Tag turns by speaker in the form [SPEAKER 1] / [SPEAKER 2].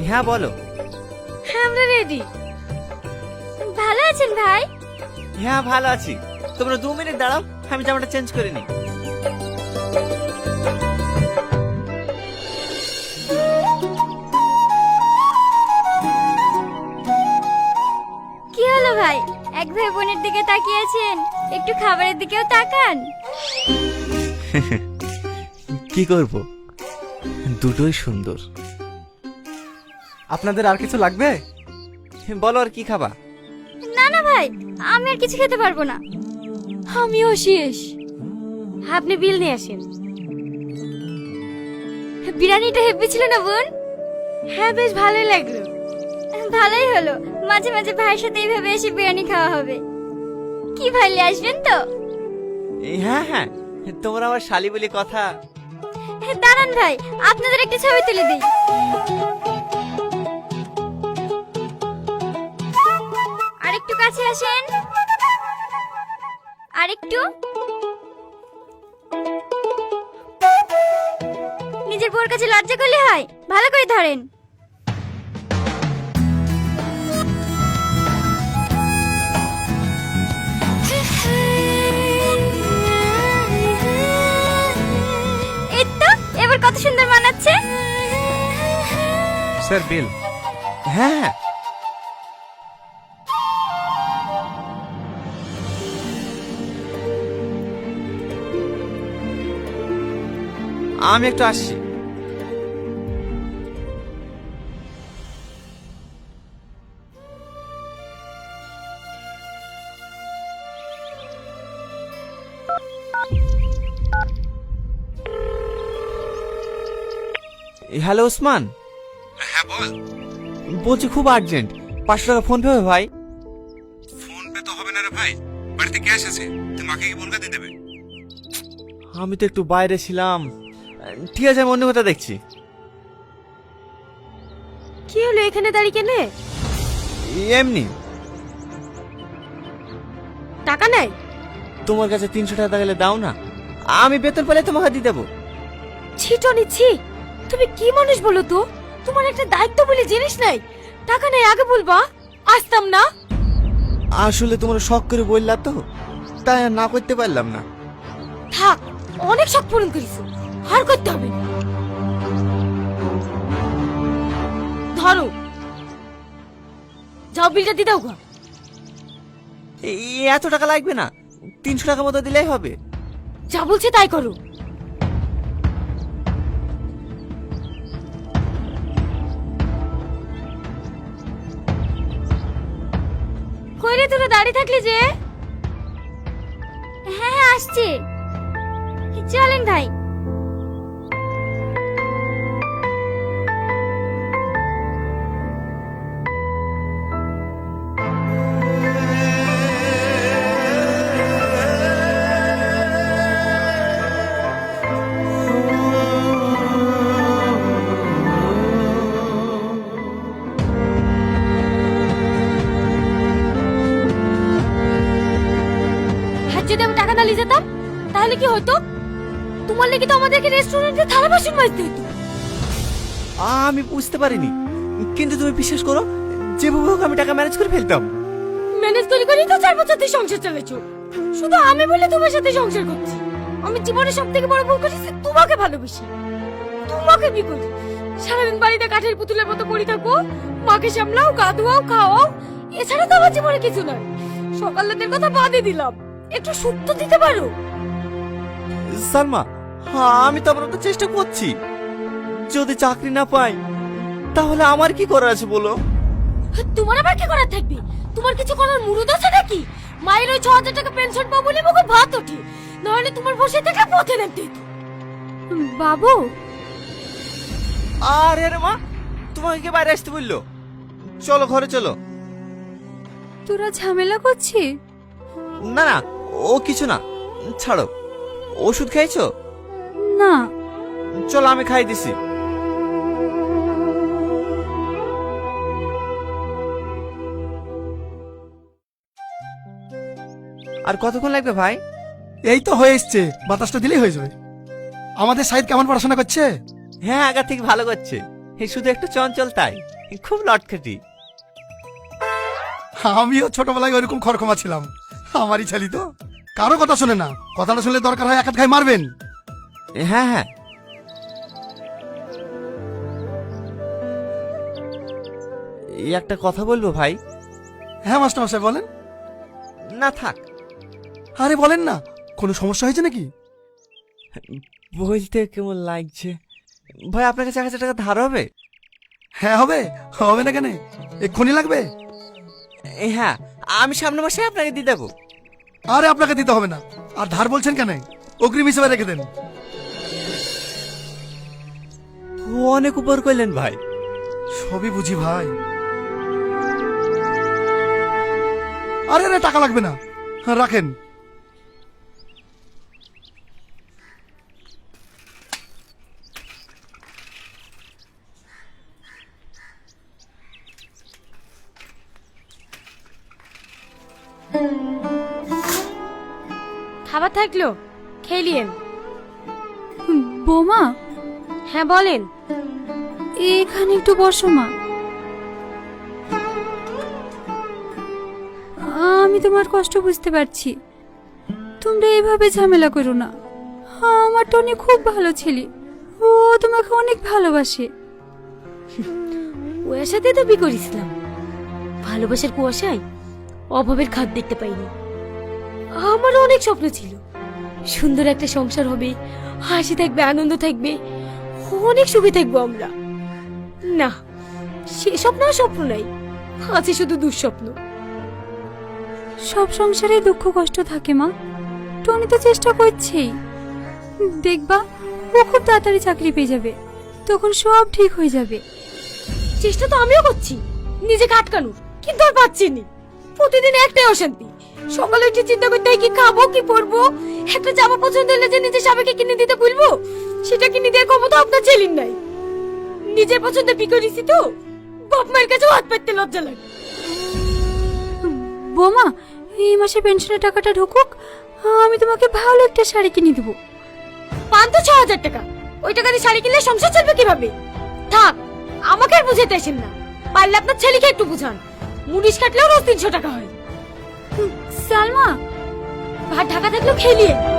[SPEAKER 1] হ্যাঁ বলো।
[SPEAKER 2] হ্যাঁ আমরা রেডি। ভালো আছেন ভাই?
[SPEAKER 1] হ্যাঁ ভালো আছি। তোমরা 2 মিনিট দাঁড়াও, আমি জামাটা চেঞ্জ করে নিই।
[SPEAKER 2] কি হলো ভাই, এক ভাই বোনের দিকে তাকিয়ে আছেন, একটু খাবারের দিকেও তাকান।
[SPEAKER 1] কি করব, দুটোই সুন্দর।
[SPEAKER 3] আপনাদের আর কিছু লাগবে?
[SPEAKER 1] বলো আর কি খাবা?
[SPEAKER 2] না না ভাই, আমি আর কিছু খেতে পারবো না। আমিও শেষ। আপনি বিল নিয়ে আসেন। বিরিয়ানিটা হেব্বি ছিল না বোন? হ্যাঁ বেশ ভালোই লাগলো। ভালোই হলো, মাঝে মাঝে ভাইয়ের সাথে এইভাবে এসে বিরিয়ানি খাওয়া হবে। কি ভাই নিয়ে আসবেন তো?
[SPEAKER 1] হ্যাঁ হ্যাঁ, তোমরা আমার শালি বলি কথা।
[SPEAKER 2] দাঁড়ান ভাই, আপনাদের একটা ছবি তুলে দিই। আরেকটু কাছে আসেন, আরেকটু। নিজের বউর কাছে লজ্জা করলে হয়, ভালো করে ধরেন। এই তো, এবার কত সুন্দর মানাচ্ছে।
[SPEAKER 3] Sir bill.
[SPEAKER 1] হ্যাঁ হ্যাঁ, আমি একটু আসছি। হ্যালো ওসমান।
[SPEAKER 4] হ্যাঁ বল।
[SPEAKER 1] বলছি খুব আর্জেন্ট, 500 টাকা ফোন পে হবে ভাই?
[SPEAKER 4] ফোন পে তো হবে না রে ভাই, বাড়িতে ক্যাশ আছে, তুই মাকে কি বলকা দিয়ে দেবে?
[SPEAKER 1] আমি তো একটু বাইরে ছিলাম। ঠিক আছে, আমি অন্য কথা দেখছি।
[SPEAKER 2] কি হলো এখানে দাঁড়িয়ে কেনে?
[SPEAKER 1] এমনি।
[SPEAKER 2] টাকা নাই?
[SPEAKER 1] তোমার কাছে 300 টাকা গেলে দাও না, আমি বেতন পেলে তোমাকে দিয়ে দেবো।
[SPEAKER 2] ছিটো নিচ্ছি। তুমি কি মানুষ বলো তো? তোমার একটা দায়িত্ব বলে জিনিস নাই। টাকা নাই আগে বলবা, আসতাম না।
[SPEAKER 1] আসলে তোমরা শখ করে বললা তো, তাই আর না করতে পারলাম না।
[SPEAKER 2] থাক, অনেক শখ পূরণ করিস, আর করতে হবে না। ধরো, যাও বিলটা দিয়ে দাও গো।
[SPEAKER 1] এত টাকা লাগবে না, 300 টাকা মতো দিলেই হবে।
[SPEAKER 2] যা বলছে তাই করো। কইরে তোরা দাঁড়িয়ে থাকলি যে? হ্যাঁ হ্যাঁ আসছি, চলেন ভাই। যদি আমি টাকা না নিয়ে যেতাম তাহলে কি হতো? তোমার লেগে তো আমাদেরকে রেস্টুরেন্টে থালা বাসন মাজতে হতো।
[SPEAKER 1] আমি বুঝতে পারিনি, কিন্তু তুমি বিশ্বাস করো, যেভাবে হোক আমি টাকা ম্যানেজ করে ফেলতাম।
[SPEAKER 2] ম্যানেজ করে করেই তো 4 বছর ধরে সংসার চালাচ্ছো। শুধু আমি বলে তোমার সাথে সংসার করছি। আমি জীবনে সব থেকে বড় ভুল করেছি, তোমাকে ভালোবেসি, তোমাকে বিয়ে করি। সারাদিন বাড়িতে কাঠের পুতুলের মতো পড়ে থাকো, মাকে সামলাও, গা ধোয়াও, খাওয়াও, এছাড়া তো আমার জীবনে কিছু নয়। সকালের কথা বাদই দিলাম, একটু সুখ তো দিতে পারো।
[SPEAKER 1] সালমা, আমি তো আপনার চেষ্টা করছি। যদি চাকরি না পাই তাহলে আমার কি করার আছে বলো?
[SPEAKER 2] তোমার আবার কি করার থাকবে? তোমার কিছু করার মুরুদ আছে নাকি? মায়ের ওই 6000 টাকা পেনশন পাবো বলে মুখে ভাত ওঠে, নাহলে তোমার বসে থেকে পথে নামতে হতো। বাবু,
[SPEAKER 1] আরে রে মা, তোমাকে কে বাইরে আসতে বললো? চলো ঘরে চলো।
[SPEAKER 2] তোরা ঝামেলা করছিস?
[SPEAKER 1] না না, ও কিছু না, ছাড়ো। ওষুধ খাইছো?
[SPEAKER 2] না।
[SPEAKER 1] চলো আমি খাই দিছি। আর কতক্ষণ লাগবে ভাই?
[SPEAKER 3] এই তো হয়ে এসছে, বাতাসটা দিলেই হয়ে যাবে। আমাদের সাইদ কেমন পড়াশোনা করছে?
[SPEAKER 1] হ্যাঁ, আগা থেকে ভালো করছে, এই শুধু একটু চঞ্চল তাই। খুব লটকাটি।
[SPEAKER 3] আমিও ছোটবেলায় ওইরকম খরখমা ছিলাম। আমারই ছেলে তো, কারো কথা শোনে না। কথাটা শুনলে দরকার হয় এক হাত খাই মারবেন।
[SPEAKER 1] হ্যাঁ হ্যাঁ, এই একটা কথা বলবো ভাই।
[SPEAKER 3] হ্যাঁ মাস্টার মশাই বলেন।
[SPEAKER 1] না থাক,
[SPEAKER 3] আরে বলেন না, কোনো সমস্যা হয়েছে নাকি?
[SPEAKER 1] বলতে কেমন লাগছে ভাই, আপনার কাছে 1000 টাকা ধার হবে?
[SPEAKER 3] হ্যাঁ হবে, হবে না কেন, এক্ষুনি লাগবে।
[SPEAKER 1] হ্যাঁ, আমি সামনে মাসে আপনাকে দিয়ে দেবো।
[SPEAKER 3] আরে আপনাকে দিতে হবে না। আর ধার বলছেন কেন, অগ্রিম হিসেবে রেখে দেন।
[SPEAKER 1] অনেক উপর করলেন ভাই।
[SPEAKER 3] সবই বুঝি ভাই। আরে আরে টাকা লাগবে না, রাখেন।
[SPEAKER 2] খাবার থাকলো, খেলিয়েন।
[SPEAKER 5] বোমা,
[SPEAKER 2] হ্যাঁ বলেন।
[SPEAKER 5] এখানে একটু বসো মা। আমি তোমার কষ্ট বুঝতে পারছি, তোমরা এভাবে ঝামেলা করো না। আমার টনি খুব ভালো ছেলে, ও তোমাকে অনেক ভালোবাসে।
[SPEAKER 2] ওর সাথে তো বিয়ে করেছিলাম, ভালোবাসার কুয়াশায় অভাবের খাদ দেখতে পাইনি। আমারও অনেক স্বপ্ন ছিল, সুন্দর একটা সংসার হবে, হাসি থাকবে, আনন্দ থাকবে, অনেক সুখে থাকবো আমরা। না, সে স্বপ্ন আর স্বপ্ন নাই, আছে শুধু দুঃস্বপ্ন।
[SPEAKER 5] সব সংসারে দুঃখ কষ্ট থাকে মা, টনি তো চেষ্টা করছেই। দেখবা ও খুব তাড়াতাড়ি চাকরি পেয়ে যাবে, তখন সব ঠিক হয়ে যাবে।
[SPEAKER 2] চেষ্টা তো আমিও করছি নিজেকে আটকানোর, কিন্তু আর পাচ্ছি না। প্রতিদিন একটাই অশান্তি, সকালে উঠে চিন্তা করতে হয় কি খাবো কি পরবো। একটা জামা পছন্দ হলে যে নিজের স্বামীকে কিনে দিতে বলবো, সেটা কিনে দেওয়ার ক্ষমতা আপনার ছেলের নাই। নিজের পছন্দে বিকরিছি তো, বাপ মায়ের কাছেও হাত পাততে লজ্জা লাগে।
[SPEAKER 5] বোমা, এই মাসে পেনশনের টাকাটা ঢুকুক, আমি তোমাকে ভালো একটা শাড়ি কিনে দেবো।
[SPEAKER 2] পান তো 6000 টাকা, ওই টাকা দিয়ে শাড়ি কিনলে সংসার চলবে কিভাবে? থাক, আমাকে আর বুঝাতে আসেন না, পারলে আপনার ছেলেকে একটু বুঝান। মুনিশ কাটলেও রোজ 300 টাকা হয়।
[SPEAKER 5] সালমা,
[SPEAKER 2] ভাত ঢাকা থাকলেও খেলিয়ে